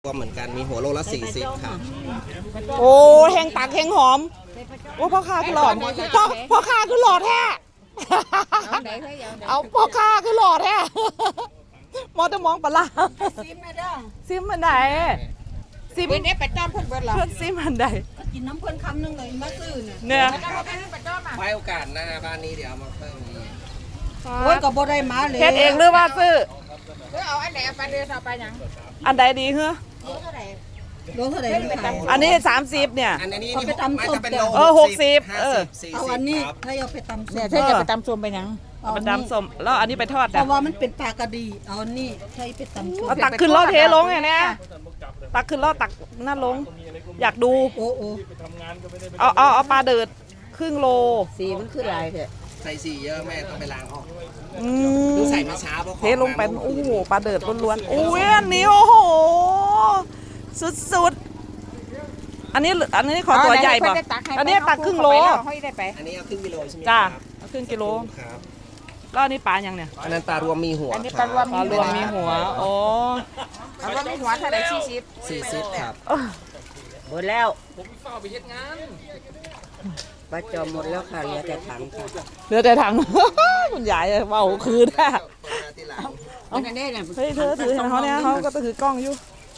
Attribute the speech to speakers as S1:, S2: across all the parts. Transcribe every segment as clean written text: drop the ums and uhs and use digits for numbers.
S1: ก็เหมือนกันมีหัวโลละ40ครับ
S2: โอ้แห้งตักแห้งหอมโอ้พ่อค้าคือหลอดพ่อค้าคือหลอดแท้เอาพ่อค้าคือหลอดแท้มอจะมองปลาซิมมาเด้อซิมมันไหนซิมเนี้ยไปจ้อมเพิ่นเบิดหรอเพิ่นซิมมันไหน
S3: กินน้ำเพิ่นคำนึงเลยมาซื้อ
S2: เนี่ย
S1: ไว้โอกาสหน้าบ้านนี้เดี๋ยวเอามาเพิ่มอีก
S3: โอ้ยก็บ่ได้มาเลย
S2: เฮ็ดเองหรือว่าซื้อ
S3: เอาอันไหนเอาไปเดือนเอาไปยัง
S2: อันใดดีเหรอ
S3: โลเท่าไหร่
S2: อันนี้30เนี่ย
S1: อันนี้นี่เป็นโล
S2: 60
S3: เอาอันนี้ถ้าเอาไปตำเนี่ยถ้าจะไปตำส้มไปยัง
S2: ไปตำส้มแล้วอันนี้ไปทอด
S3: เพราะว่ามันเป็นปลากระดีเอานี่ใช้ไปตำส้ม
S2: เอาตักขึ้นรถเทลงเนี่ยตักขึ้นรถตักนั่นลงอยากดู
S3: โอ้
S2: เอาปลาเดือดครึ่งโล
S3: สีมันคือลายเถอะ
S1: ใส่สีเยอะแม่ต้องไปล้างออกต้องใส่มาช้าเพราะ
S2: เทลงไปโอ้โหปลาเดือดล้วนๆโอ้ยอันนี้โอ้โหสุดๆอันนี้ขอตัวใหญ่ป่ะอันนี้ตักครึ่งโล
S1: อันนี้เอาครึ่งกิโลใช่ไหม
S2: จ้าเอาครึ่งกิโล
S1: ครับ
S2: แล้วอันนี้ปลายังเนี่ย
S1: อันนั้นปลารวมมีหัว
S2: อันนี้ปลารวมมีหัวโอ้
S3: ปลารวมมีหัวเท่าไหร่
S1: 40ครับ
S3: หมดแล้วผมเฝ้าไปเฮ็ดงานปลาจอมหมดแล้วค่ะเหลือแต่ถังค่ะ
S2: เหลือแต่ถังคุณยายเบาคืนอ่ะ
S3: เอาอันนี้เนี่ย
S2: เฮ้ยเธอถือเขาเนี่ยเขาก็ถือกล้องอยู่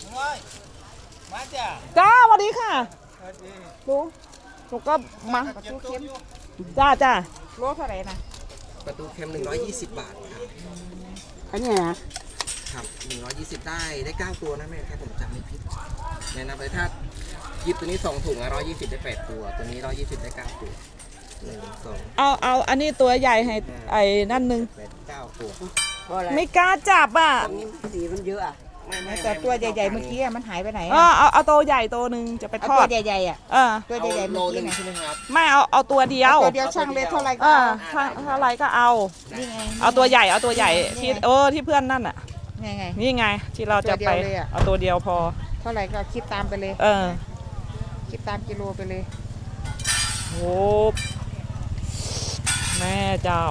S2: จ้าสวัสดีค่ะลุงลุงก็มาจ้าโลเท่าไหร่นะ
S1: ประตูเค็ม120 บาทครับ
S3: อันนี้นะครับ
S1: 120ได้9ตัวนะแม่แค่ผมจำไม่ผิดแนะนำไปถ้าหยิบตัวนี้2ถุง120ได้8ตัวตัวนี้120ได้9ตัว1 2
S2: เอาอันนี้ตัวใหญ่ให้ไอ้นั่นนึง
S1: 9ตัว
S2: ไม่กล้าจับอ่ะ
S3: สีมันเยอะอ่ะแต่ตัวใหญ่ๆเมื่อกี้มันหายไปไหน
S2: เอาตัวใหญ่ตัวนึงจะไปทอด
S3: ตัวใหญ่ๆอ่ะตัวใหญ่ๆ
S1: โลนึงใช่ไหมครับ
S2: ไม่เอาตัวเดียว
S3: ช่างเลยเท่าไรก็
S2: เท่าไรก็เอาตัวใหญ่ที่เพื่อนนั่นอ่ะนี่ไงที่เราจะไปเอาตัวเดียวพอ
S3: เท่าไรก็คิดตามไปเลยคิดตามกิโลไปเลย
S2: โอ้แม่เจ้า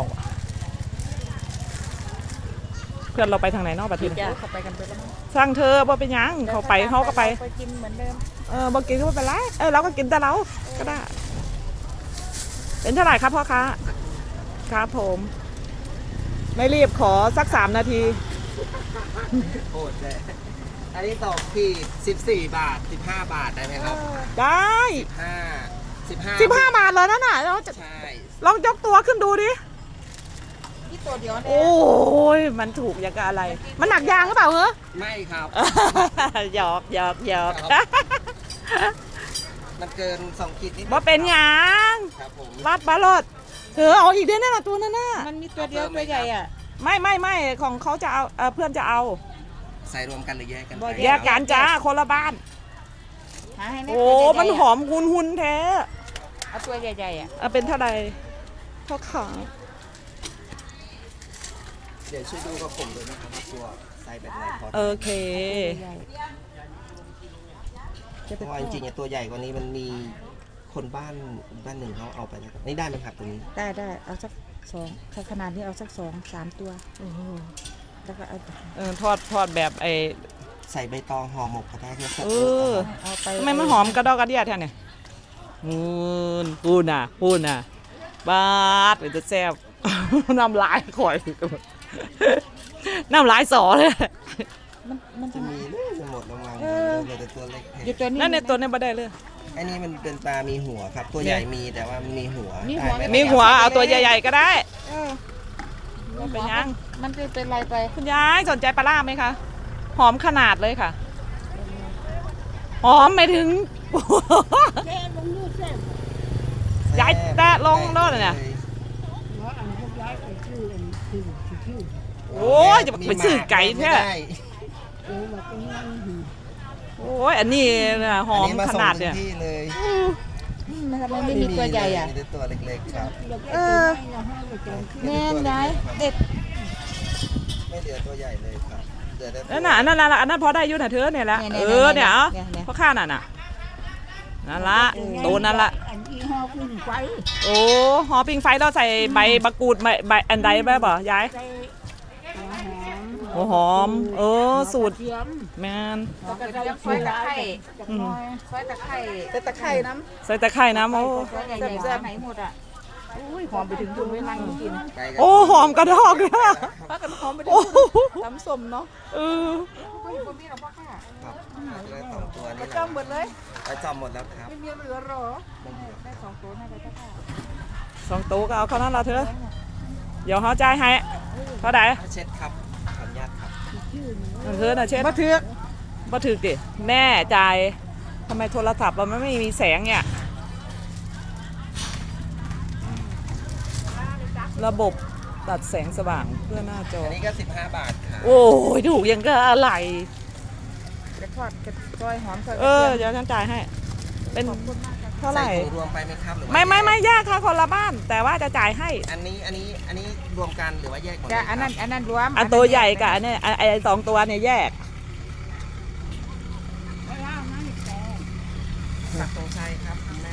S2: เพื่อนเราไปทางไหนนอกประเทศ
S3: เขาไปกันไปแล้ว
S2: สร้างเธอบ่เป็นยังเขาไปเขาก็ไป
S3: กินเหมือนเดิม
S2: บ่กินก็ไม่เป็นไรเราก็กินแต่เราก็ได้เป็นเท่าไหร่ครับพ่อค้าครับผมไม่รีบขอสัก3 นาที
S1: โอดเลยอันนี้ตกที่14 บาท15 บาทได้ไหมครับ
S2: ได้15 บาทเลยนั่นน่ะเราจะลองยกตัวขึ้นดูดิ
S3: ตัวเดียวเนี่ย
S2: โอ้ยมันถูกอย่างกับอะไรมันหนักยางหรือเปล่าเหรอ
S1: ไม่ครับ
S2: หยอก
S1: มันเกิน2 ขีดนิด
S2: ว่าเป็นยางรัดบาลดเธอเอาอีกได้แน่ละตัวนั่นน่ะ
S3: มันมีตัวเดียวตัวใหญ่อ่ะ
S2: ไม่ของเขาจะเอาเพื่อนจะเอา
S1: ใส่รวมกันหรือแยกกัน
S2: แยกกันจ้าคนละบ้านโอ้มันหอมหุ่นแท้
S3: เอาตัวใหญ่ๆอ่ะ
S2: เป็นเท่าไหร่เท่าขา
S1: เดี๋ยวช่วยดูกับผมเลยนะครับว่าตัวไซส์แบบไหนพอ
S2: โอเค
S1: เพราะว่าจริงๆตัวใหญ่กว่านี้มันมีคนบ้านหนึ่งเขาเอาไปแล้วนี่ได้ไหมครับตัวนี้
S3: ได้เอาสัก2ขนาดนี้เอาสัก2-3 ตัวแล้วก็
S2: เอาทอดแบบไอ
S1: ใส่ใบตองห่อหมกก็ได้ที่
S2: เอาไปทำไมมันหอมกระดอกกระเดียดแท้เนี่ยปูน่ะบาดเป็นตัวแซ่บน้ำลายข่อยน้ำลายสอเลย
S1: มันจะมีหมดลงมาแต่ตัวเล็ก
S2: นั่นในตัวนี้ไม่ได้เลย
S1: อันนี้มันเป็นปลามีหัวครับตัวใหญ่มีแต่ว่ามีหัว
S2: เอาตัวใหญ่ๆก็ได้เป็นยัง
S3: มันจะเป็นไรไป
S2: คุณยายสนใจปลาล่าไหมคะหอมขนาดเลยค่ะหอมไม่ถึงยายแตะลงรถเนี่ยโอ้ยจะไปซื้อไก่แท้โอ้ยอันนี้นะหอมขนาดเนี่ย
S3: ไม่มีตัวใหญ่อ่ะ
S1: มีตัวเล็กๆครับ
S3: แม่ยายเด็ด
S1: ไม่เหลือตัวใหญ่เลยครับ
S2: นั่นน่ะอันนั้นพอได้ยุ่นเธอเนี่ยละเนี่ยเพราะข้าน่ะนั่นละตัวนั่นละโอ้หอปิงไฟเราใส่ใบมะกรูดใบอันใดแบบบ่ยายหัวหอม สูตรแมน
S3: กระเทียมซอยตะไคร้
S2: อืม
S3: ซอยตะไคร้
S4: แต่ตะไคร่น้
S2: ใส่ตะไคร่น้ำโอ้
S3: ซอยใหญ่ๆไหนหมดอ่ะอุ้ยหอมไปถึงคุณไม่นั่งกิน
S1: ไปกัน
S2: โอ้หอมกระดอกเลยอะ
S4: ำพักกันหอมไป
S2: โอ้
S4: ตำส้มเนาะ
S2: เออ
S1: ครับได้สองตัวนี่แห
S4: จ้อ
S1: ละ
S4: งหมดเลย
S1: ไปจอมหมดแล้วครับ
S4: ไม่มีเหลือหรอ
S3: ได้2 ตัวให้ไปเจ้าค่ะ
S2: 2 โต๊ะก็เอาเข้านั้นละเธอเดี๋ยวเขาจ่ายให้เท่าไหร่
S1: เช็ดครับขออนุญาตครับ
S2: เธอน่ะเช็ด
S4: มาเถือก
S2: มาถึกดิแม่จ่ายทำไมโทรศัพท์เราไม่มีแสงเนี่ยระบบตัดแสงสว่างเพื่อหน้าจอ
S1: อันนี้ก็15 บาทครับ
S2: โอ้ยถูกยังก็อะไร
S4: กระทอดกระซอยหอมซอยก
S2: เอ
S4: ระ
S2: อ
S4: เทียม
S2: เดี๋ยวฉันจ่ายให้ เป็นเท่าไหร่
S1: ใส่ถุงรวมไปไหมครับหรือว่า
S2: ไม่แยกค่ะคนละบ้าน แต่ว่าจะจ่ายให้
S1: อันนี้รวมกันหรือว่าแยกหมดเลย
S4: จ้ะ
S1: ครับ
S4: อันนั้นรวม
S2: อันตัวใหญ่กับอันเนี้ยไอ้2 ตัวเนี่ยแยก
S1: ปักตรงชัยครับคุณแม่